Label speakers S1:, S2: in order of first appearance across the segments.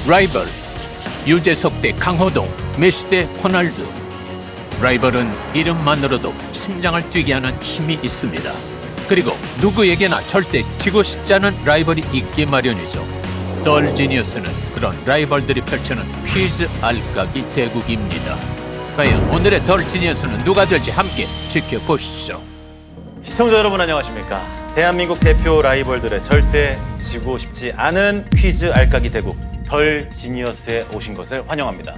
S1: 라이벌. 유재석 대 강호동, 메시 대 호날두. 라이벌은 이름만으로도 심장을 뛰게 하는 힘이 있습니다. 그리고 누구에게나 절대 지고 싶지 않은 라이벌이 있기 마련이죠. 덜 지니어스는 그런 라이벌들이 펼치는 퀴즈 알까기 대국입니다. 과연 오늘의 덜 지니어스는 누가 될지 함께 지켜보시죠.
S2: 시청자 여러분 안녕하십니까? 대한민국 대표 라이벌들의 절대 지고 싶지 않은 퀴즈 알까기 대국 덜 지니어스에 오신 것을 환영합니다.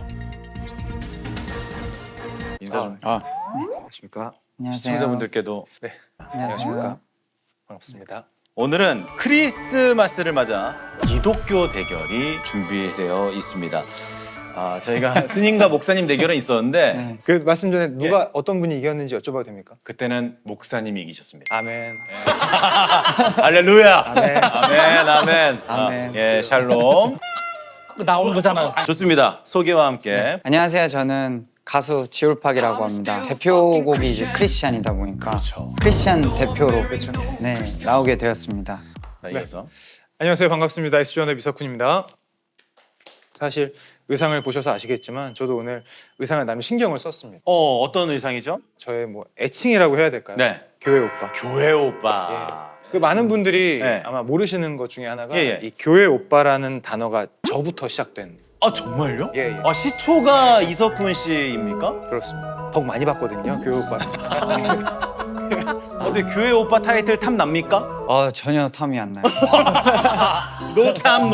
S2: 인사 좀.
S3: 안녕하십니까?
S4: 안녕하세요.
S2: 시청자분들께도
S3: 안녕하십니까? 반갑습니다.
S2: 오늘은 크리스마스를 맞아 기독교 대결이 준비되어 있습니다. 저희가 스님과 목사님 대결은 있었는데
S3: 그 말씀 전에 누가 어떤 분이 이겼는지 여쭤봐도 됩니까?
S2: 그때는 목사님이 이기셨습니다.
S3: 아멘.
S2: 할렐루야.
S3: 아멘.
S2: 아멘. 아멘.
S4: 아멘.
S2: 예, 샬롬.
S3: 나오는 거잖아.
S2: 좋습니다. 소개와 함께.
S4: 안녕하세요. 저는 가수 지올팍이라고 합니다. 대표곡이 이제 크리스찬이다 보니까
S2: 그렇죠.
S4: 크리스찬 대표로 네, 나오게 되었습니다.
S2: 자, 이어서.
S3: 안녕하세요. 반갑습니다. S존의 미석훈입니다. 사실 의상을 보셔서 아시겠지만 저도 오늘 의상을 나름 신경을 썼습니다.
S2: 어떤 의상이죠?
S3: 저의 뭐 애칭이라고 해야 될까요?
S2: 네.
S3: 교회 오빠.
S2: 교회 오빠.
S3: 그 많은 분들이
S2: 네.
S3: 아마 모르시는 것 중에 하나가
S2: 예, 예.
S3: 이 교회 오빠라는 단어가 저부터 시작된.
S2: 정말요?
S3: 예, 예.
S2: 시초가 이석훈 씨입니까?
S3: 그렇습니다. 덕 많이 받거든요. 교회 오빠.
S2: 어떻게 교회 오빠 타이틀 탐 납니까?
S4: 전혀 탐이 안 나요.
S2: 노탐.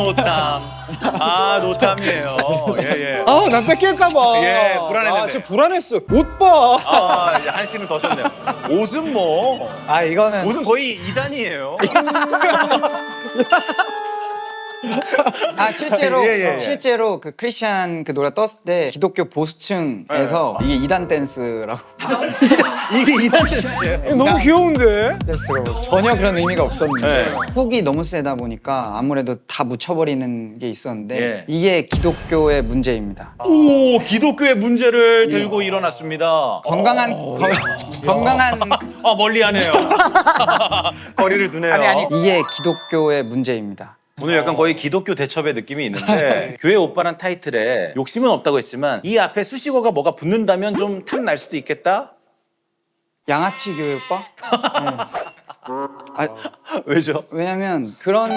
S2: 노탐이에요. 예.
S3: 난 뺏길까봐.
S2: 예, 불안했는데.
S3: 진짜 불안했어. 오빠.
S2: 이제 한 씨는 더 썼네요. 옷은 뭐.
S4: 이거는
S2: 옷은 거의 2단이에요.
S4: 실제로
S2: 예.
S4: 실제로 그 크리스찬 그 노래 떴을 때 기독교 보수층에서 이게 이단 댄스라고
S2: 이게 2단 댄스예요.
S3: 너무 귀여운데?
S4: 댄스로 전혀 그런 의미가 없었는데
S2: 네.
S4: 훅이 너무 세다 보니까 아무래도 다 묻혀버리는 게 있었는데
S2: 예.
S4: 이게 기독교의 문제입니다.
S2: 오, 기독교의 문제를 들고 일어났습니다.
S4: 건강한
S2: 멀리하네요. 거리를 두네요.
S4: 아니 이게 기독교의 문제입니다.
S2: 오늘 약간 거의 기독교 대첩의 느낌이 있는데 교회 오빠란 타이틀에 욕심은 없다고 했지만 이 앞에 수식어가 뭐가 붙는다면 좀 탐 날 수도 있겠다?
S4: 양아치 교회 오빠? 네.
S2: 왜죠?
S4: 왜냐면 그런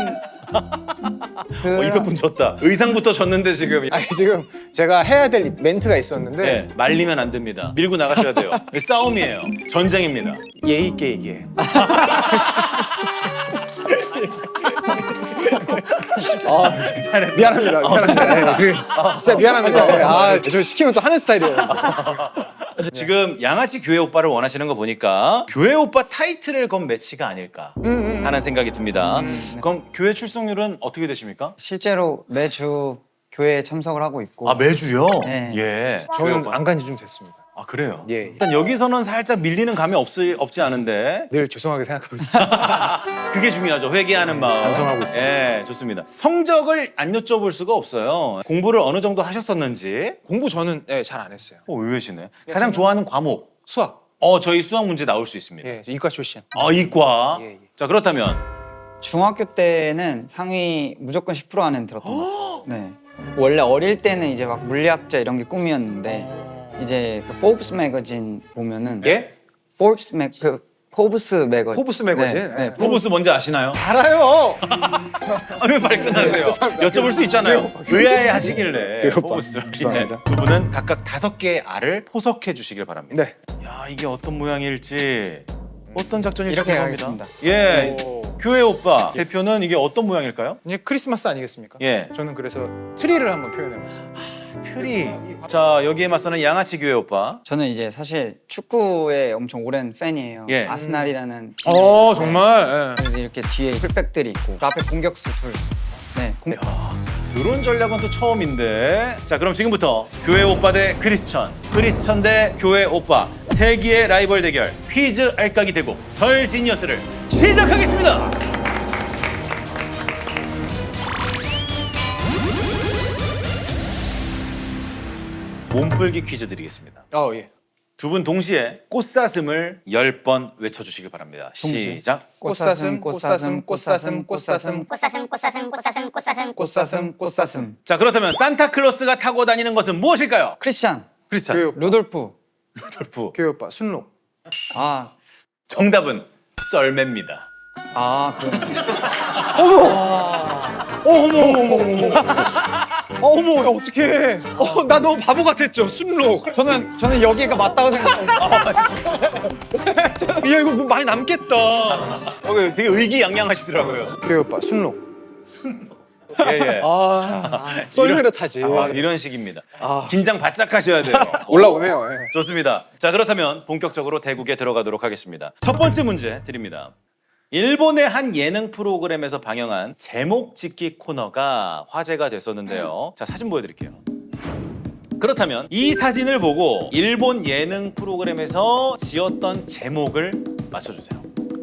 S2: 이석훈 졌다. 의상부터 졌는데 지금.
S3: 아니 지금 제가 해야 될 멘트가 있었는데
S2: 네, 말리면 안 됩니다. 밀고 나가셔야 돼요. 싸움이에요. 전쟁입니다.
S3: 예의 있게 얘기해. 미안합니다. 진짜 미안합니다. 저 시키면 또 하는 스타일이에요.
S2: 지금 양아치 교회 오빠를 원하시는 거 보니까 교회 오빠 타이틀을 건 매치가 아닐까 하는 생각이 듭니다. 그럼 교회 출석률은 어떻게 되십니까?
S4: 실제로 매주 교회에 참석을 하고 있고
S2: 매주요?
S4: 네.
S2: 예. 교회
S3: 저는
S2: 오빠.
S3: 안 간 지 좀 됐습니다.
S2: 그래요?
S3: 예.
S2: 일단 여기서는 살짝 밀리는 감이 없지 않은데
S3: 늘 죄송하게 생각하고 있습니다.
S2: 그게 중요하죠. 회개하는 마음.
S3: 반성하고 있습니다.
S2: 예, 좋습니다. 성적을 안 여쭤볼 수가 없어요. 공부를 어느 정도 하셨었는지.
S3: 공부 저는 잘 안 했어요.
S2: 의외시네. 가장 좋아하는 과목.
S3: 수학.
S2: 저희 수학 문제 나올 수 있습니다.
S3: 저 이과 출신.
S2: 이과.
S3: 예.
S2: 자, 그렇다면
S4: 중학교 때는 상위 무조건 10% 안에는 들었던 것 같아요. 네. 원래 어릴 때는 이제 막 물리학자 이런 게 꿈이었는데 이제 그 포브스 매거진 보면은
S3: 예?
S4: 포브스 매거진
S3: 포브스 매거진?
S4: 네, 네.
S2: 포브스 뭔지 아시나요?
S3: 알아요.
S2: 왜 발끈하세요? 여쭤볼 수 있잖아요. 의아해 하시길래.
S3: 교회 오빠.
S2: 포브스.
S3: 죄송합니다.
S2: 두 분은 각각 5개의 알을 포석해 주시길 바랍니다.
S3: 네.
S2: 야, 이게 어떤 모양일지 어떤 작전일지
S4: 이렇게
S2: 궁금합니다.
S4: 가겠습니다.
S2: 예.
S3: 오.
S2: 교회 오빠 대표는 이게 어떤 모양일까요?
S3: 이제 크리스마스 아니겠습니까?
S2: 예.
S3: 저는 그래서 트리를 한번 표현해봤어요.
S2: 트리. 자, 여기에 맞서는 양아치 교회 오빠.
S4: 저는 이제 사실 축구의 엄청 오랜 팬이에요.
S2: 예.
S4: 아스날이라는
S3: 정말.
S4: 그래서 이렇게 뒤에 풀백들이 있고 그 앞에 공격수 둘. 네.
S2: 이런 전략은 또 처음인데. 자, 그럼 지금부터 교회 오빠 대 크리스천 대 교회 오빠 세기의 라이벌 대결 퀴즈 알까기 대국 덜 지니어스를 시작하겠습니다. 몸풀기 퀴즈 드리겠습니다.
S3: 예.
S2: 두 분 동시에 꽃사슴을 10번 외쳐주시기 바랍니다. 시작.
S3: 꽃사슴 꽃사슴 꽃사슴 꽃사슴
S5: 꽃사슴 꽃사슴 꽃사슴 꽃사슴
S3: 꽃사슴 꽃사슴.
S2: 자, 그렇다면 산타클로스가 타고 다니는 것은 무엇일까요?
S4: 크리스찬,
S2: 크리스찬,
S3: 교회 오빠.
S4: 루돌프.
S2: 루돌프.
S3: 교회 오빠 순록.
S4: 아,
S2: 정답은 썰매입니다.
S4: 그러네.
S3: 어머 야, 어떡해. 나 너무 바보 같았죠 순록.
S4: 저는 여기가 맞다고 생각했어요.
S3: 야 이거 뭐 많이 남겠다.
S2: 되게 의기양양하시더라고요.
S3: 교회 오빠 순록.
S2: 예, 예.
S3: 썰매를 타지.
S2: 이런 식입니다. 긴장 바짝 하셔야 돼요.
S3: 올라오네요. 예.
S2: 좋습니다. 자, 그렇다면 본격적으로 대국에 들어가도록 하겠습니다. 첫 번째 문제 드립니다. 일본의 한 예능 프로그램에서 방영한 제목 짓기 코너가 화제가 됐었는데요. 자, 사진 보여드릴게요. 그렇다면 이 사진을 보고 일본 예능 프로그램에서 지었던 제목을 맞춰주세요.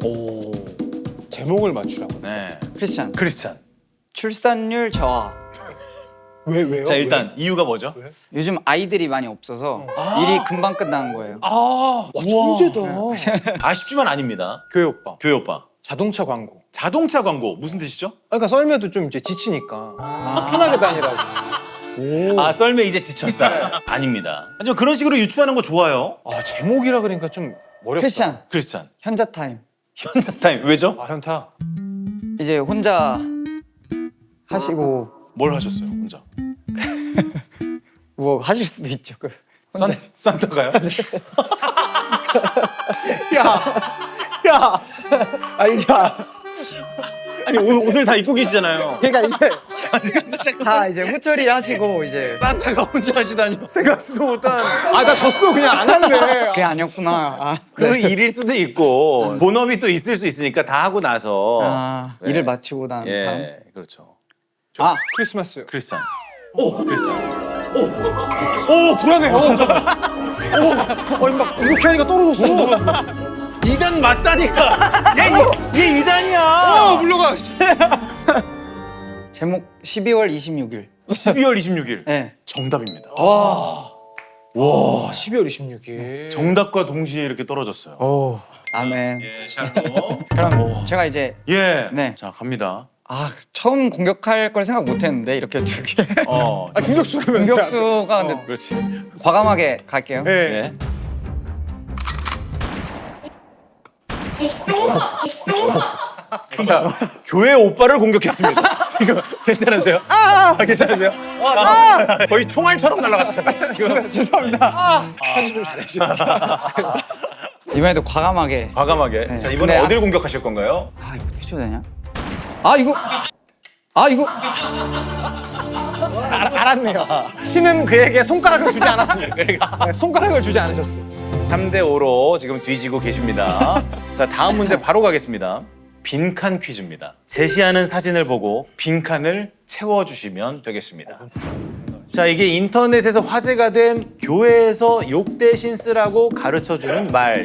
S3: 제목을 맞추라고.
S2: 네.
S4: 크리스찬.
S2: 크리스찬.
S4: 출산율 저하.
S3: 왜요?
S2: 자, 일단 이유가 뭐죠?
S4: 요즘 아이들이 많이 없어서 일이 금방 끝나는 거예요.
S3: 와 천재다.
S2: 아쉽지만 아닙니다.
S3: 교회 오빠.
S2: 교회 오빠.
S3: 자동차 광고.
S2: 자동차 광고 무슨 뜻이죠?
S3: 그러니까 썰매도 좀 이제 지치니까 편하게 다니라고.
S2: 썰매 이제 지쳤다. 아닙니다. 하지만 그런 식으로 유추하는 거 좋아요.
S3: 제목이라 그러니까 좀 어렵다.
S4: 크리스찬.
S2: 크리스찬.
S4: 현자 타임.
S2: 현자 타임 왜죠?
S3: 현타.
S4: 이제 혼자 하시고
S2: 뭘 하셨어요 혼자?
S4: 뭐 하실 수도 있죠.
S2: 산타가요?
S3: 야.
S4: 아니
S2: 아니 옷을 다 입고 계시잖아요.
S4: 그러니까 이제 다 이제 후처리 하시고 이제
S2: 산타가 혼자 하시다니 생각지도 못한
S3: 나 졌어 그냥 안 할래.
S4: 그게 아니었구나.
S2: 그 일일 수도 있고 본업이 또 있을 수 있으니까 다 하고 나서 네.
S4: 일을 마치고 난 다음.
S2: 예 그렇죠.
S3: 크리스마스.
S2: 크리스찬. 크리스찬.
S3: 불안해. 잠깐. 막 이렇게 하니까 떨어졌어.
S2: 2단 맞다니까. 얘 2단이야.
S3: 물러가.
S4: 제목 12월 26일.
S2: 12월 26일.
S4: 네.
S2: 정답입니다.
S3: 와 12월 26일.
S2: 정답과 동시에 이렇게 떨어졌어요.
S4: 아멘.
S2: 예, 샬롬.
S4: 그럼 제가 이제
S2: 예.
S4: 네.
S2: 자, 갑니다.
S4: 처음 공격할 걸 생각 못했는데 이렇게 두 개.
S3: 공격수라면서.
S4: 공격수가 근데
S2: 그렇지.
S4: 과감하게 갈게요.
S3: 네.
S2: 예. 자, 교회 오빠를 공격했습니다. 지금 괜찮으세요? 괜찮으세요? 거의 총알처럼 날아갔어요.
S4: 죄송합니다.
S3: 편집 좀 잘해주세요.
S4: 이번에도 과감하게.
S2: 과감하게.
S4: 네.
S2: 자, 이번에
S4: 근데
S2: 어딜 공격하실 건가요?
S4: 이거 어떻게 줘야 되냐? 이거
S3: 알았네요. 신은 그에게 손가락을 주지 않았습니다. 네, 손가락을 주지 않으셨어.
S2: 3대5로 지금 뒤지고 계십니다. 자, 다음 문제 바로 가겠습니다. 빈칸 퀴즈입니다. 제시하는 사진을 보고 빈칸을 채워주시면 되겠습니다. 자, 이게 인터넷에서 화제가 된 교회에서 욕 대신 쓰라고 가르쳐주는 말.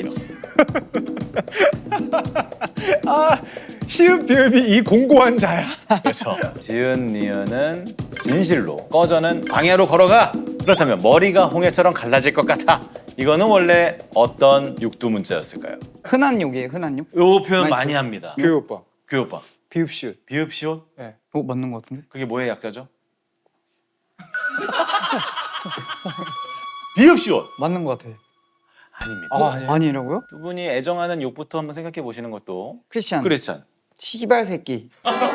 S3: 시읍 비읍이 이 공고한 자야.
S2: 그렇죠. 지은 니은은 진실로, 꺼져는 광야로 걸어가. 그렇다면 머리가 홍해처럼 갈라질 것 같아. 이거는 원래 어떤 육두문자였을까요?
S4: 흔한 욕이에요. 흔한 욕.
S2: 요 표현
S4: 맛있어요.
S2: 많이 합니다.
S3: 교회 오빠.
S2: 교회 오빠.
S3: 비읍 시읍.
S2: 비읍 시옷?
S4: 맞는 것 같은데?
S2: 그게 뭐의 약자죠? 비읍 시옷.
S4: 맞는 것 같아.
S2: 아닙니다.
S4: 아니라고요?
S2: 두 분이 애정하는 욕부터 한번 생각해 보시는 것도.
S4: 크리스찬.
S2: 크리스찬.
S4: 시발 새끼.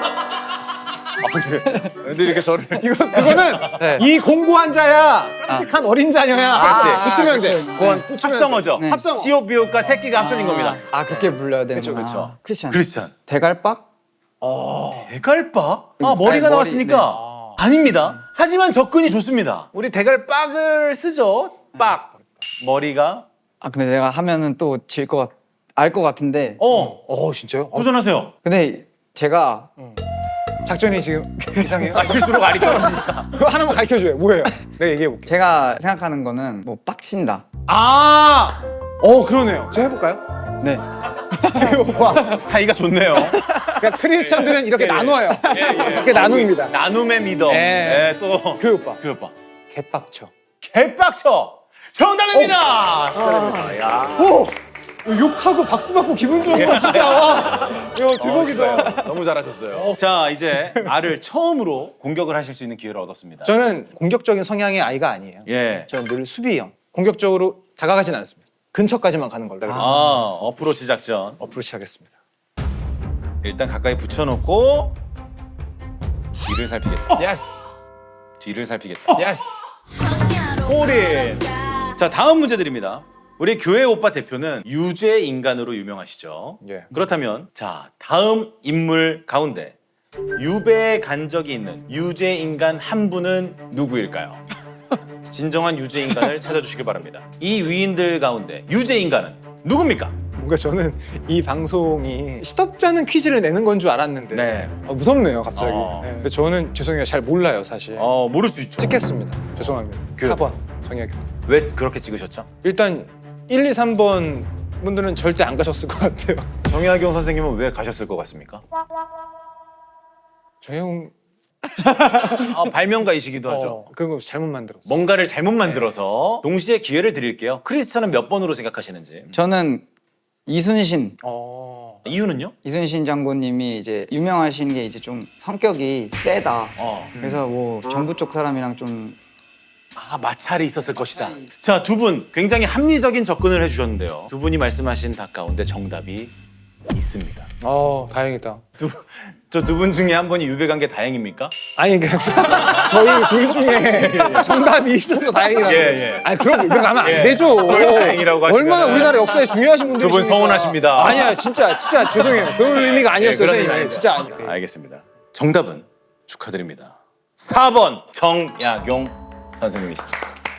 S2: 근데 이렇게 저를
S3: 그거는
S4: 네.
S3: 이 공고한 자야. 깜찍한 어린 자녀야.
S2: 그렇지.
S3: 붙이면 돼.
S2: 그건 합성어죠.
S4: 네.
S3: 합성어.
S2: 시옷 비읍과 새끼가 합쳐진 겁니다.
S4: 그렇게 불러야 되는구나.
S2: 그쵸, 그쵸.
S4: 크리스찬.
S2: 크리스찬.
S4: 대갈박?
S2: 대갈박? 머리가
S4: 아니,
S2: 나왔으니까 아닙니다. 하지만 접근이 좋습니다. 우리 대갈박을 쓰죠. 빡. 머리가.
S4: 근데 내가 하면은 또 질 것 알 것 같은데.
S3: 진짜요?
S2: 도전하세요.
S4: 근데 제가
S3: 작전이 지금 이상해요?
S2: 실수로 알이 떨어지니까.
S3: 그거 하나만 가르쳐줘요. 뭐예요? 내가 얘기해볼게.
S4: 제가 생각하는 거는 뭐 빡친다.
S3: 그러네요. 제가 해볼까요?
S4: 네.
S3: 오빠.
S2: 사이가 좋네요.
S3: 그러니까 크리스찬들은 이렇게 나눠요. 이렇게 나눕니다.
S2: 나눔의 믿음.
S3: 예.
S2: 또
S3: 교회 오빠.
S2: 교회 오빠.
S3: 개빡쳐.
S2: 개빡쳐. 정답입니다. 축하드립니다. 야.
S3: 오! 욕하고 박수 받고 기분 좋은 거 진짜. 와. 야, 대박이다.
S2: 너무 잘하셨어요. 자, 이제 알을 처음으로 공격을 하실 수 있는 기회를 얻었습니다.
S3: 저는 공격적인 성향의 아이가 아니에요.
S2: 예.
S3: 저는 늘 수비형. 공격적으로 다가가진 않습니다. 근처까지만 가는 걸로.
S2: 어프로치 작전.
S3: 어프로치 하겠습니다.
S2: 일단 가까이 붙여놓고 뒤를 살피겠다.
S3: 예스.
S2: 뒤를 살피겠다.
S3: 예스.
S2: 꼬린. 자, 다음 문제 드립니다. 우리 교회 오빠 대표는 유죄 인간으로 유명하시죠.
S3: 예.
S2: 그렇다면 자, 다음 인물 가운데 유배에 간 적이 있는 유죄 인간 한 분은 누구일까요? 진정한 유죄 인간을 찾아주시길 바랍니다. 이 위인들 가운데 유죄 인간은 누굽니까?
S3: 뭔가 저는 이 방송이 시덥지 않은 퀴즈를 내는 건 줄 알았는데
S2: 네.
S3: 무섭네요 갑자기. 네. 근데 저는 죄송해요 잘 몰라요 사실.
S2: 모를 수 있죠.
S3: 찍겠습니다. 죄송합니다.
S2: 그-
S3: 4번 정혁이.
S2: 왜 그렇게 찍으셨죠?
S3: 일단 1, 2, 3번 분들은 절대 안 가셨을 것 같아요.
S2: 정약용 선생님은 왜 가셨을 것 같습니까?
S3: 조용.
S2: 발명가이시기도 하죠.
S3: 그거 잘못 만들었어.
S2: 뭔가를 잘못 만들어서 동시에 기회를 드릴게요. 크리스찬은 몇 번으로 생각하시는지.
S4: 저는 이순신
S2: 이유는요?
S4: 이순신 장군님이 이제 유명하신 게 이제 좀 성격이 세다. 그래서 뭐 정부 쪽 사람이랑 좀
S2: 마찰이 있었을 것이다. 자, 두 분 굉장히 합리적인 접근을 해주셨는데요. 두 분이 말씀하신 답 가운데 정답이 있습니다.
S3: 다행이다.
S2: 저 두 분 중에 한 분이 유배 간 게 다행입니까?
S3: 아니 저희 둘 중에 정답이 있어서 다행이다.
S2: 예.
S3: 아니 그럼 유배 가면 안
S2: 예.
S3: 되죠.
S2: 다행이라고 하시면은
S3: 얼마나 우리나라 역사에 중요하신 분들이
S2: 두 분 서운하십니다.
S3: 아니야 진짜 죄송해요. 그런 의미가 아니었어요.
S2: 그런
S3: 선생님.
S2: 의미
S3: 진짜
S2: 아니죠.
S3: 아니에요.
S2: 알겠습니다. 정답은 축하드립니다. 4번 정약용 선생님이십니다.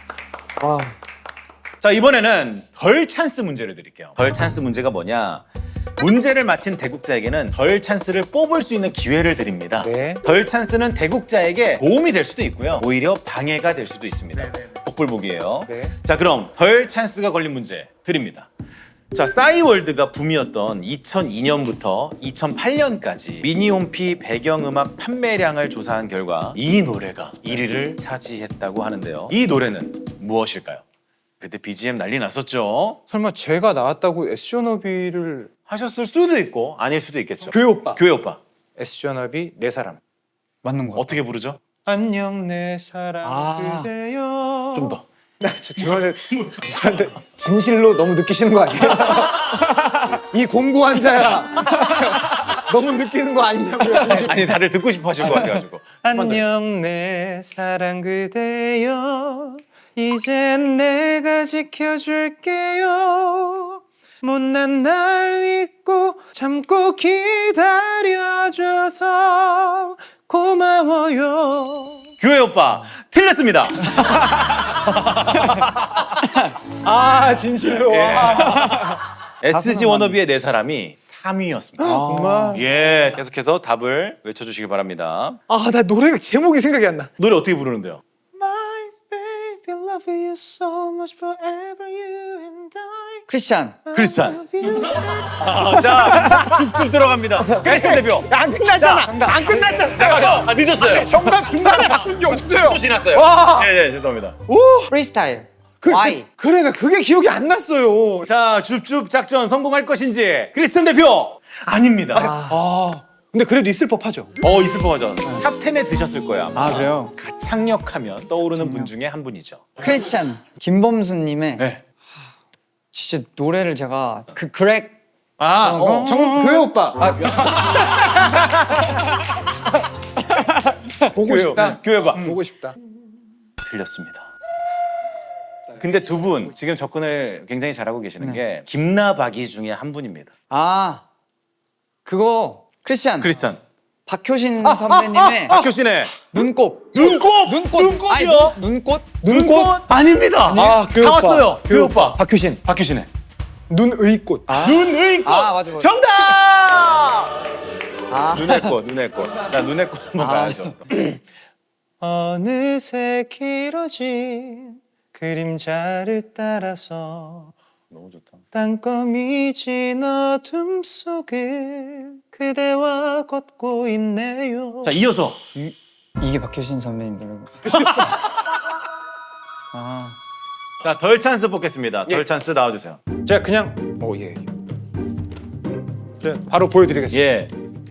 S2: 자, 이번에는 덜 찬스 문제를 드릴게요. 덜 찬스 문제가 뭐냐? 문제를 맞힌 대국자에게는 덜 찬스를 뽑을 수 있는 기회를 드립니다.
S3: 네.
S2: 덜 찬스는 대국자에게 도움이 될 수도 있고요. 오히려 방해가 될 수도 있습니다. 복불복이에요.
S3: 네.
S2: 자, 그럼 덜 찬스가 걸린 문제 드립니다. 자, 싸이월드가 붐이었던 2002년부터 2008년까지 미니홈피 배경음악 판매량을 조사한 결과 이 노래가 1위를 차지했다고 하는데요. 이 노래는 무엇일까요? 그때 BGM 난리 났었죠.
S3: 설마 제가 나왔다고 SG워너비를
S2: 하셨을 수도 있고 아닐 수도 있겠죠.
S3: 교회 오빠.
S2: 교회 오빠.
S3: SG워너비 내 사람.
S4: 맞는 거 같아요.
S2: 어떻게 부르죠?
S3: 안녕 내 사랑 그대여.
S2: 좀 더.
S3: 나 저한테 진실로 너무 느끼시는 거 아니에요? 이 공부 환자야. 너무 느끼는 거 아니냐고요. 진실.
S2: 아니, 다들 듣고 싶어 하실 것 같아가지고.
S3: 안녕 내 사랑 그대여. 이젠 내가 지켜줄게요. 못난 날 믿고 참고 기다려줘서 고마워요.
S2: 교회 오빠 틀렸습니다.
S3: 진실로.
S2: SG 워너비의 내 사람이 3위였습니다.
S3: 정말.
S2: 예, 계속해서 답을 외쳐주시기 바랍니다.
S3: 나 노래 제목이 생각이 안 나.
S2: 노래 어떻게 부르는데요?
S3: My baby love you so much forever you and I.
S4: 크리스찬
S2: 크리스찬. 자, 쭉 들어갑니다. 크리스찬 대표.
S3: 안 끝났잖아. 안 끝났잖아.
S2: 늦었어요.
S3: 정답 중간에 바꾼 게 없어요.
S2: 또 지났어요. 네, 죄송합니다.
S4: 프리스타일
S3: 그,
S4: Y
S3: 그래, 나 그게 기억이 안 났어요.
S2: 자, 줍줍 작전 성공할 것인지 크리스찬 대표 아닙니다.
S3: 근데 그래도 있을 법하죠.
S2: 있을 법하죠. 탑 10에 드셨을 거예요. 아마.
S4: 그래요?
S2: 가창력하면 떠오르는 분 중에 한 분이죠.
S4: 크리스찬 김범수님의
S2: 네.
S4: 진짜 노래를 제가 그 그렉
S3: 교회 오빠. 보고 싶다.
S2: 교회 봐.
S3: 보고 싶다.
S2: 틀렸습니다. 근데 두 분 지금 접근을 굉장히 잘하고 계시는 게 김나박이 중에 한 분입니다.
S4: 그거 크리스찬
S2: 크리스찬.
S4: 박효신 선배님의
S2: 박효신의
S4: 눈꽃
S2: 눈꽃이요?
S4: 아니, 눈꽃
S2: 눈꽃 아닙니다.
S3: 교회
S2: 다
S3: 오빠.
S2: 왔어요. 교회 오빠.
S3: 박효신.
S2: 박효신의
S3: 눈의 꽃.
S2: 눈의 꽃.
S4: 맞아.
S2: 정답. 눈의 꽃. 자, 눈의 꽃 한번 봐야죠.
S3: 어느새 길어진 그림자를 따라서
S2: 너무 좋다.
S3: 땅거미 진 어둠 속을 그대와 걷고 있네요.
S2: 자, 이어서
S4: 이게 박효신 선배님 노래고
S2: 자, 덜 찬스 뽑겠습니다. 덜
S3: 예.
S2: 찬스 나와주세요.
S3: 제가 그냥 예. 제가 바로 보여드리겠습니다.
S2: 예.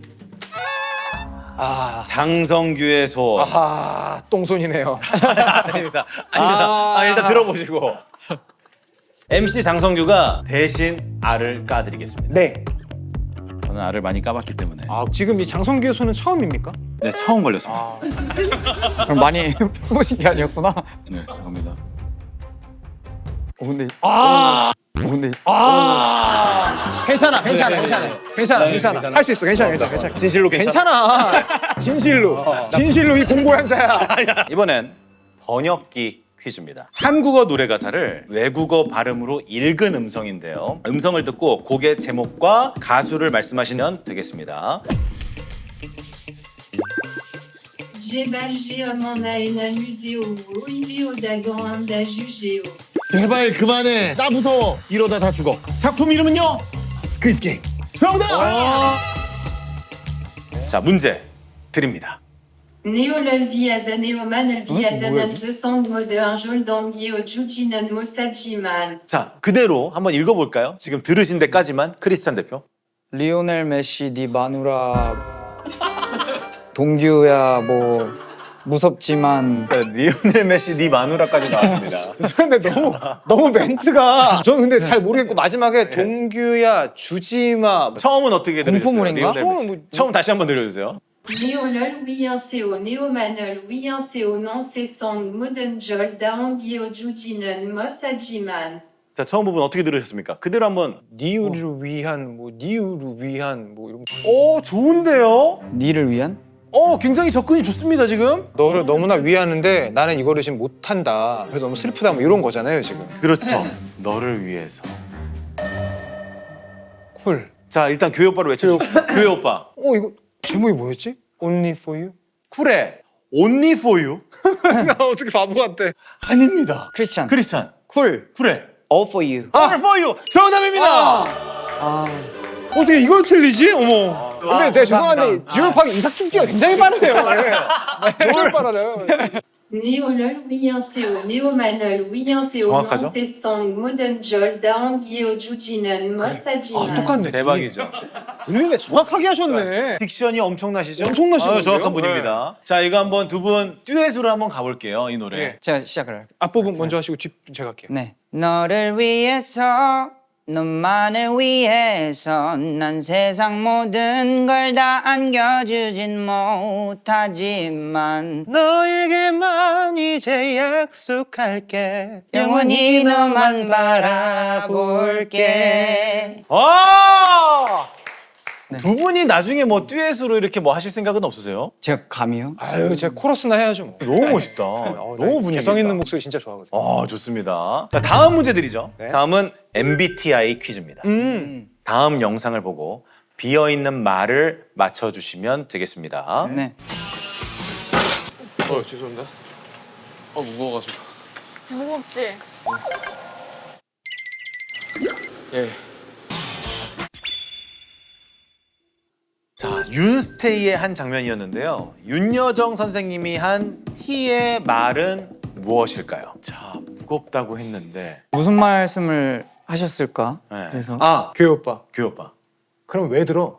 S2: 장성규의 소원.
S3: 아하, 똥손이네요.
S2: 아닙니다. 아닙니다. 일단 들어보시고. MC 장성규가 대신 알을 까드리겠습니다.
S3: 네.
S2: 저는 알을 많이 까봤기 때문에.
S3: 지금 이 장성규의 손은 처음입니까?
S2: 네, 처음 걸렸습니다.
S4: 그럼 많이 해보신 게 아니었구나.
S2: 네, 죄송합니다.
S4: 근데
S3: 괜찮아.
S2: 네,
S3: 괜찮아. 할 수 있어. 괜찮아.
S2: 진실로
S3: 괜찮아. 진실로 이 공고의 한자야.
S2: 이번엔 번역기 퀴즈입니다. 한국어 노래 가사를 외국어 발음으로 읽은 음성인데요. 음성을 듣고 곡의 제목과 가수를 말씀하시면 되겠습니다.
S6: J'ai mon aina museo, idéo dagon da jugeo.
S7: 제발 그만해. 나 무서워. 이러다 다 죽어. 작품 이름은요? 스퀴드 게임. 정답!
S2: 자, 문제 드립니다.
S6: Néolol viaza néoman viazanan the song mode un jol d'ambio jujinan mosajiman.
S2: 자, 그대로 한번 읽어볼까요? 지금 들으신 데까지만 크리스찬 대표.
S4: 리오넬 메시 니 마누라 동규야 뭐 무섭지만
S2: 리오넬 메시 네 마누라까지 나왔습니다.
S3: 근데 너무 멘트가 저는 근데 잘 모르겠고 마지막에 동규야 주지마
S2: 처음은 어떻게 들으셨어요?
S4: 공포물인가?
S2: 리오넬 메시. 처음 다시 한번 들려주세요.
S6: Néolol oui un co néomanol oui un co non c'est song modern jol d'ambio jujinan mosajiman.
S2: 자, 처음 부분 어떻게 들으셨습니까? 그대로 한번.
S3: 니우를 위한 니우를 위한 이런 거. 좋은데요?
S4: 니를 위한?
S2: 굉장히 접근이 좋습니다, 지금.
S3: 너를 너무나 위하는데 나는 이거를 지금 못한다. 그래서 너무 슬프다 이런 거잖아요 지금.
S2: 그렇죠. 너를 위해서.
S3: 쿨.
S2: 자, 일단 교회 오빠로 외쳐주세요. 교회 오빠.
S3: 이거 제목이 뭐였지? Only for you?
S2: 쿨해. Only for you?
S3: 나 어떻게 바보 같아.
S2: 아닙니다.
S4: 크리스찬
S2: 크리스찬.
S4: 쿨
S2: 쿨해.
S4: All for you.
S2: All for you. 정답입니다.
S3: 어떻게 이걸 틀리지? 어머. 근데 제가 죄송한데 지울파기 이삭죽기가 굉장히 빠르네요. 뭘 빨라요?
S6: Néolol oui un co néomanol oui un co non
S2: 정확하죠?
S6: c'est song modern jol d'ambio jujinan mosajiman.
S3: 똑같네.
S2: 대박이죠.
S3: 들리네. 정확하게 하셨네.
S2: 딕션이 엄청나시죠?
S3: 엄청나시는데요?
S2: 정확한 분입니다. 자, 이거 한번 두 분 듀엣으로 한번 가볼게요, 이 노래.
S3: 네.
S4: 제가 시작을 할게요.
S3: 앞부분 먼저 하시고 뒷 제가 할게요.
S4: 네. 너를 위해서 너만을 위해서 난 세상 모든 걸 다 안겨주진 못하지만
S3: 너에게만 이제 약속할게.
S4: 영원히 너만 바라볼게.
S2: 두 분이 나중에 뭐 듀엣으로 이렇게 뭐 하실 생각은 없으세요?
S4: 제가 감이요?
S3: 아유, 제가 코러스나 해야죠. 뭐.
S2: 너무 멋있다. 너무 분위기
S3: 개성 있는
S2: 있다.
S3: 목소리 진짜 좋아하거든요.
S2: 좋습니다. 자, 다음 문제 드리죠.
S3: 네.
S2: 다음은 MBTI 퀴즈입니다. 다음 영상을 보고 비어있는 말을 맞춰주시면 되겠습니다.
S4: 네.
S8: 죄송합니다. 무거워가지고.
S9: 무겁지?
S8: 예.
S2: 자, 윤스테이의 한 장면이었는데요. 윤여정 선생님이 한 T의 말은 무엇일까요? 자, 무겁다고 했는데.
S4: 무슨 말씀을 하셨을까?
S2: 네.
S4: 그래서
S3: 교회 오빠.
S2: 교회 오빠.
S3: 그럼 왜 들어?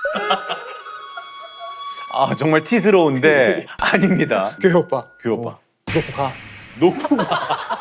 S2: 정말 T스러운데 아닙니다.
S3: 교회 오빠.
S2: 교회 오빠.
S3: 놓고 가.
S2: 놓고 가.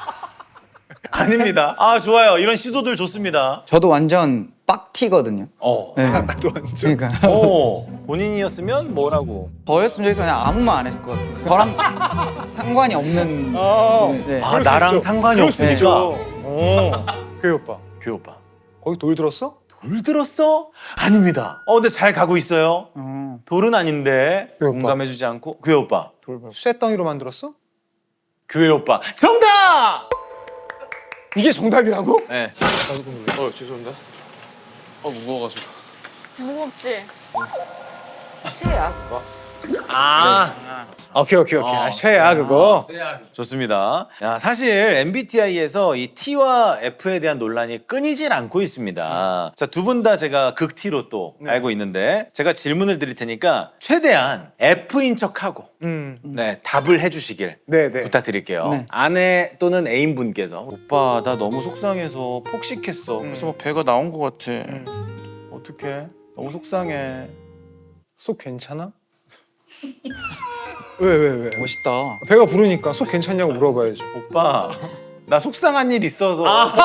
S2: 아닙니다. 좋아요. 이런 시도들 좋습니다.
S4: 저도 완전 빡티거든요. 네.
S3: 나도 완전.
S4: 그러니까
S2: 본인이었으면 뭐라고?
S4: 저였으면 저기서 그냥 아무 말 안 했을 것 같아요. 저랑 상관이 없는. 네.
S2: 아, 나랑 상관이
S3: 그럴 수
S2: 없으니까.
S3: 있죠. 교회 오빠.
S2: 교회 오빠.
S3: 거기 돌 들었어?
S2: 돌 들었어? 아닙니다. 근데 잘 가고 있어요. 돌은 아닌데
S3: 교회 오빠.
S2: 공감해주지 않고. 교회 오빠.
S3: 쇠덩이로 만들었어?
S2: 교회 오빠. 정답!
S3: 이게 정답이라고?
S2: 네.
S8: 죄송합니다. 무거워가지고.
S9: 무겁지? 티야.
S3: 오케이. 쉐야 그거.
S2: 좋습니다. 야, 사실 MBTI에서 이 T와 F에 대한 논란이 끊이질 않고 있습니다. 자, 두 분 다 제가 극 T로 또 알고 있는데 제가 질문을 드릴 테니까 최대한 F인 척하고 네, 답을 해주시길
S3: 네.
S2: 부탁드릴게요.
S4: 네.
S2: 아내 또는 애인분께서 오빠 나 너무 속상해서 폭식했어. 그래서 막 배가 나온 것 같아. 어떡해? 너무 속상해.
S3: 속 괜찮아? 왜?
S4: 멋있다.
S3: 배가 부르니까 속 괜찮냐고 물어봐야죠.
S2: 오빠 나 속상한 일 있어서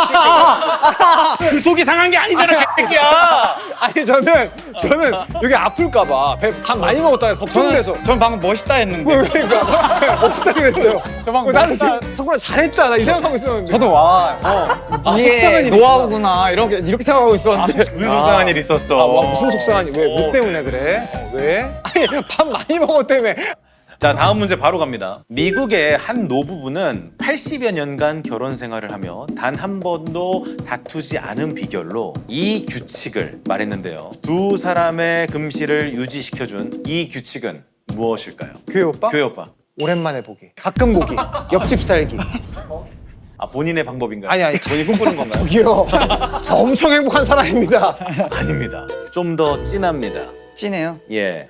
S1: 그 속이 상한 게 아니잖아, 개새끼야.
S3: 아니 저는 여기 아플까봐 배 밥 많이 먹었다가 걱정돼서.
S4: 전 방금 멋있다 했는데.
S3: 그러니까 멋있다 그랬어요.
S4: 방금
S3: 나는
S4: 멋있다.
S3: 지금 성훈아 잘했다 나 이 생각하고 있었는데.
S4: 저도 와.
S3: 속상한
S4: 이게
S3: 일이구나.
S4: 노하우구나 이렇게 생각하고 있었는데.
S2: 무슨 속상한 일 있었어.
S3: 와 무슨 속상하니? 뭐 때문에 그래? 왜? 아니 밥 많이 먹었다며.
S2: 자, 다음 문제 바로 갑니다. 미국의 한 노부부는 80여 년간 결혼 생활을 하며 단 한 번도 다투지 않은 비결로 이 규칙을 말했는데요. 두 사람의 금실을 유지시켜준 이 규칙은 무엇일까요?
S3: 교회 오빠?
S2: 교회 오빠.
S3: 오랜만에 보기. 가끔 보기. 옆집 살기.
S2: 아, 본인의 방법인가요?
S3: 아니.
S2: 본인이 꿈꾸는 건가요?
S3: 저기요. 저 엄청 행복한 사람입니다.
S2: 아닙니다. 좀 더 진합니다.
S4: 찐해요.
S2: 예.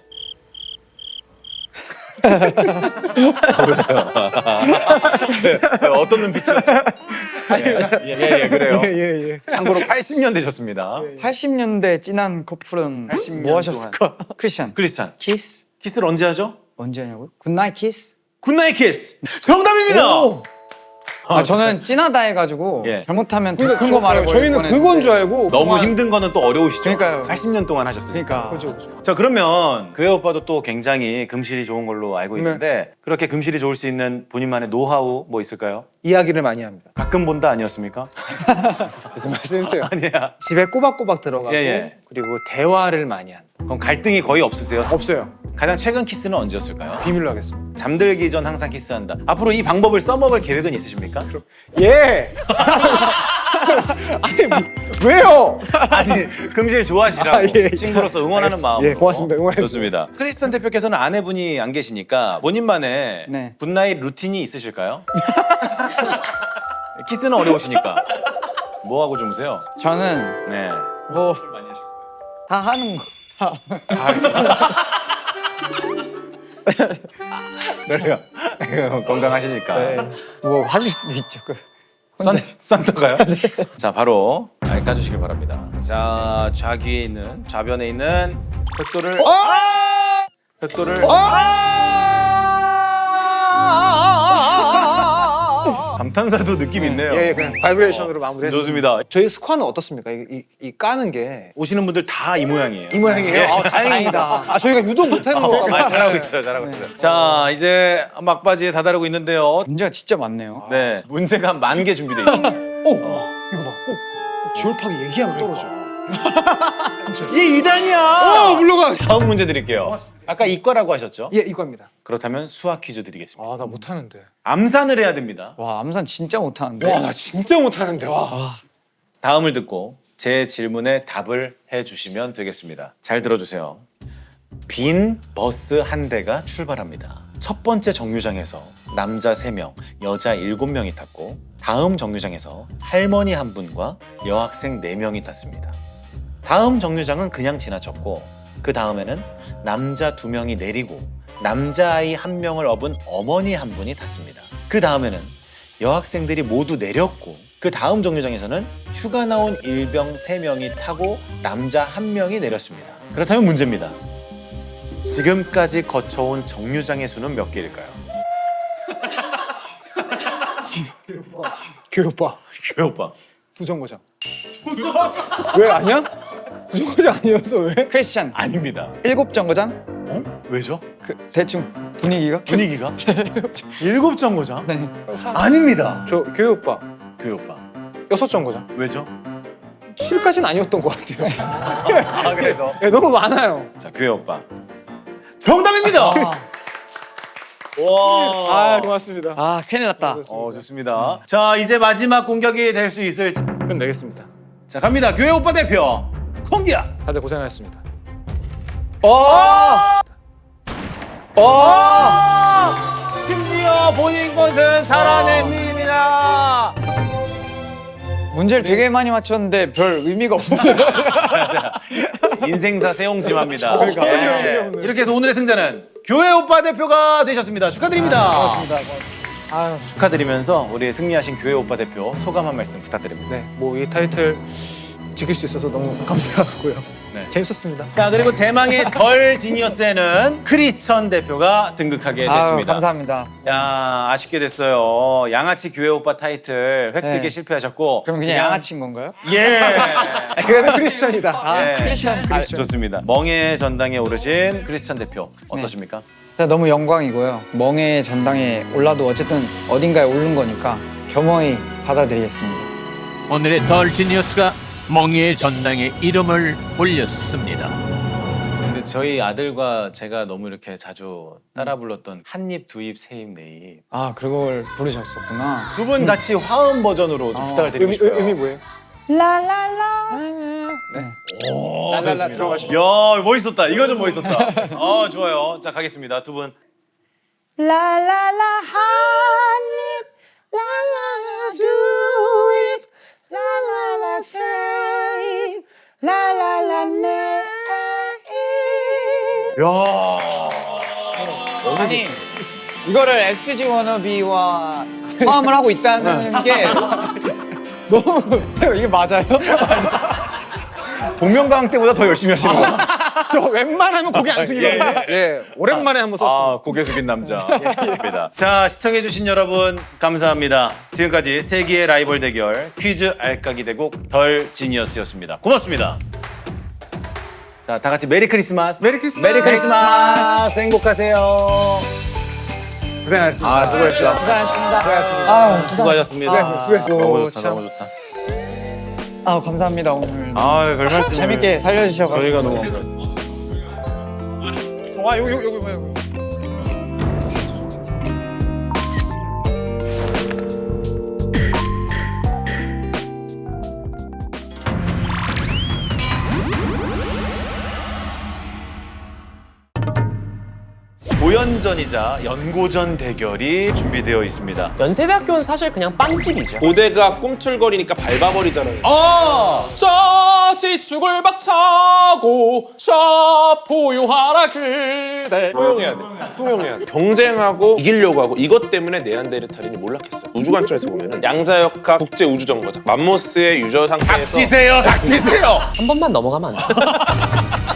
S2: 어떤 눈빛이었죠? 예, 그래요.
S3: 예.
S2: 참고로 80년 되셨습니다.
S4: 80년대 찐한 커플은
S2: 80년
S4: 뭐 하셨을까? 크리스찬.
S2: 크리스찬.
S4: 키스?
S2: 키스를 언제 하죠?
S4: 언제 하냐고요? 굿나잇 키스?
S2: 굿나잇 키스. 정답입니다.
S4: 저는 찐하다 해가지고
S2: 예.
S4: 잘못하면 더 큰 거 말해버릴
S3: 저희는
S4: 뻔했는데.
S3: 그건 줄 알고.
S2: 너무
S3: 그만-
S2: 힘든 거는 또 어려우시죠?
S4: 그러니까요.
S2: 80년 동안 하셨으니까.
S4: 그러니까.
S3: 그죠.
S2: 자, 그러면 교회 오빠도 또 굉장히 금실이 좋은 걸로 알고 있는데 그렇게 금실이 좋을 수 있는 본인만의 노하우 뭐 있을까요?
S3: 이야기를 많이 합니다.
S2: 가끔 본다 아니었습니까?
S3: 무슨 말씀이세요?
S2: 아니야.
S3: 집에 꼬박꼬박 들어가고
S2: 예.
S3: 그리고 대화를 많이 한다.
S2: 그럼 갈등이 거의 없으세요?
S3: 없어요.
S2: 가장 최근 키스는 언제였을까요?
S3: 비밀로 하겠습니다.
S2: 잠들기 전 항상 키스한다. 앞으로 이 방법을 써먹을 계획은 있으십니까?
S3: 예. 아니 왜요?
S2: 아니, 금실 좋아하시라고
S3: 아, 예.
S2: 친구로서 응원하는 마음으로.
S3: 예, 고맙습니다. 응원해주세요.
S2: 좋습니다. 크리스찬 대표께서는 아내분이 안 계시니까 본인만의
S4: 네.
S2: 굿나잇 루틴이 있으실까요? 키스는 어려우시니까 뭐 하고 주무세요?
S4: 저는
S2: 네.
S4: 뭐 다 하는 거.
S2: 그래요. 건강하시니까.
S4: 뭐 하실 수도 있죠.
S2: 산타가요? 자, 바로 알 까주시길 바랍니다. 자, 좌귀에 있는 좌변에 있는 벽돌을 벽돌을 감탄사도 느낌 있네요.
S3: 예, 그냥 바이브레이션으로 마무리했습니다.
S2: 좋습니다.
S3: 저희 스쿼는 어떻습니까? 이 까는 게 이
S2: 오시는 분들 다 이 모양이에요.
S3: 모양이에요?
S2: 예.
S3: 다행입니다. 저희가 유독 못하는 건가 봐요.
S2: 잘하고 있어요. 잘하고 있어요. 자, 이제 막바지에 다다르고 있는데요.
S4: 문제가 진짜 많네요.
S2: 네, 문제가 10,000개 준비되어 있습니다.
S3: 오! 이거 봐. 꼭 지올팍이 얘기하면 떨어져.
S2: 이 2단이야!
S3: 물러가!
S2: 다음 문제 드릴게요. 아까 이과라고 하셨죠?
S3: 예, 이거입니다.
S2: 그렇다면 수학 퀴즈 드리겠습니다.
S3: 나 못하는데.
S2: 암산을 해야 됩니다.
S4: 와 암산 진짜 못하는데.
S3: 와, 나 진짜 못하는데. 와.
S2: 다음을 듣고 제 질문에 답을 해주시면 되겠습니다. 잘 들어주세요. 빈 버스 한 대가 출발합니다. 첫 번째 정류장에서 남자 3명, 여자 7명이 탔고 다음 정류장에서 할머니 한 분과 여학생 4명이 탔습니다. 다음 정류장은 그냥 지나쳤고 그 다음에는 남자 2명이 내리고 남자아이 1명을 업은 어머니 한 분이 탔습니다. 그 다음에는 여학생들이 모두 내렸고 그 다음 정류장에서는 휴가 나온 일병 3명이 타고 남자 1명이 내렸습니다. 그렇다면 문제입니다. 지금까지 거쳐온 정류장의 수는 몇 개일까요?
S3: 교회 오빠.
S2: 교회 오빠.
S3: 부정거장. 왜 아니야? 부정거장 아니었어 왜?
S4: 크리스찬
S2: 아닙니다.
S4: 7정거장?
S2: 어? 왜죠?
S4: 그 대충 분위기가?
S2: 분위기가? 7정거장?
S4: 네.
S2: 아닙니다.
S3: 저 교회 오빠.
S2: 교회 오빠.
S3: 6정거장.
S2: 왜죠?
S3: 7까지는 아니었던 것 같아요.
S2: 아, 그래서?
S3: 예, 너무 많아요.
S2: 자, 교회 오빠. 정답입니다! 와.
S3: 고맙습니다.
S4: 아 큰일 났다.
S2: 좋습니다. 자, 이제 마지막 공격이 될 수 있을지.
S3: 끝내겠습니다.
S2: 자, 갑니다. 교회 오빠 대표. 송기야.
S3: 다들 고생하셨습니다.
S2: 심지어 본인 것은 살아냅니다.
S4: 문제를 되게 많이 맞췄는데 별 의미가 없어요.
S2: 인생사 세옹지마입니다. 예. 이렇게 해서 오늘의 승자는 교회 오빠 대표가 되셨습니다. 축하드립니다.
S3: 고맙습니다.
S2: 축하드리면서 우리 승리하신 교회 오빠 대표 소감 한 말씀 부탁드립니다.
S3: 네, 뭐 이 타이틀 지킬 수 있어서 너무 감사하고요.
S2: 네.
S3: 재밌었습니다.
S2: 자, 그리고 대망의 덜 지니어스에는 크리스천 대표가 등극하게 됐습니다.
S4: 감사합니다.
S2: 야, 아쉽게 됐어요. 양아치 교회 오빠 타이틀 획득에
S4: 네.
S2: 실패하셨고.
S4: 그럼 그냥 양아치인 건가요?
S2: 예.
S3: 그래도 크리스천이다.
S2: 예.
S4: 크리스천.
S2: 좋습니다. 멍의 전당에 오르신 크리스천 대표 어떠십니까?
S4: 진짜 너무 영광이고요. 멍의 전당에 올라도 어쨌든 어딘가에 오른 거니까 겸허히 받아들이겠습니다.
S1: 오늘의 덜 지니어스가 멍이의 전당에 이름을 올렸습니다.
S2: 근데 저희 아들과 제가 너무 이렇게 자주 따라 불렀던 한입, 두입, 세입, 네입.
S4: 아, 그걸 부르셨었구나.
S2: 두 분 같이 화음 버전으로 좀 부탁을 드리고 싶어요.
S3: 의미 뭐예요?
S4: 라라라.
S3: 라라라 들어가시죠.
S2: 야, 멋있었다. 이거 좀 멋있었다. 좋아요. 자, 가겠습니다. 두 분.
S4: 라라라 한입 라라라 두입 라라라 세입 라라라 네입.
S2: 야.
S4: 아니 이거를 SG 워너비와 화음을 하고 있다는 게 너무 이게 맞아요?
S2: 복면가왕 때보다 더 열심히 하시는 거.
S3: 저 웬만하면 고개 안 숙이거든요. 예, 오랜만에 한번 썼습니다.
S2: 고개 숙인 남자. 좋습니다. 자, 시청해주신 여러분 감사합니다. 지금까지 세기의 라이벌 대결 퀴즈 알까기 대국 덜 지니어스였습니다. 고맙습니다. 자, 다 같이 메리 크리스마스.
S3: 메리 크리스마스.
S2: 메리 크리스마스. 행복하세요.
S3: 고생하셨습니다.
S2: 수고했어.
S4: 수고하셨습니다.
S3: 고생하셨습니다.
S2: 수고하셨습니다.
S3: 수고했어.
S2: 너무 좋다, 너무 좋다.
S4: 감사합니다 오늘
S2: 별 말씀.
S4: 재밌게 살려주셔서
S2: 저희가 너무.
S3: 와, 여기 뭐야?
S2: 고연전이자 연고전 대결이 준비되어 있습니다.
S9: 연세대학교는 사실 그냥 빵집이죠.
S8: 고대가 꿈틀거리니까 밟아버리잖아요.
S9: 저지 죽을 박차고 저 포효하라 그대.
S8: 포용해야 돼. 포용해야 돼. 경쟁하고 이기려고 하고 이것 때문에 네안데르탈인이 몰락했어. 우주관점에서 보면은 양자역학 국제우주정거장 맘모스의 유저 상태에서
S2: 닥치세요.
S9: 한 번만 넘어가면 안 돼.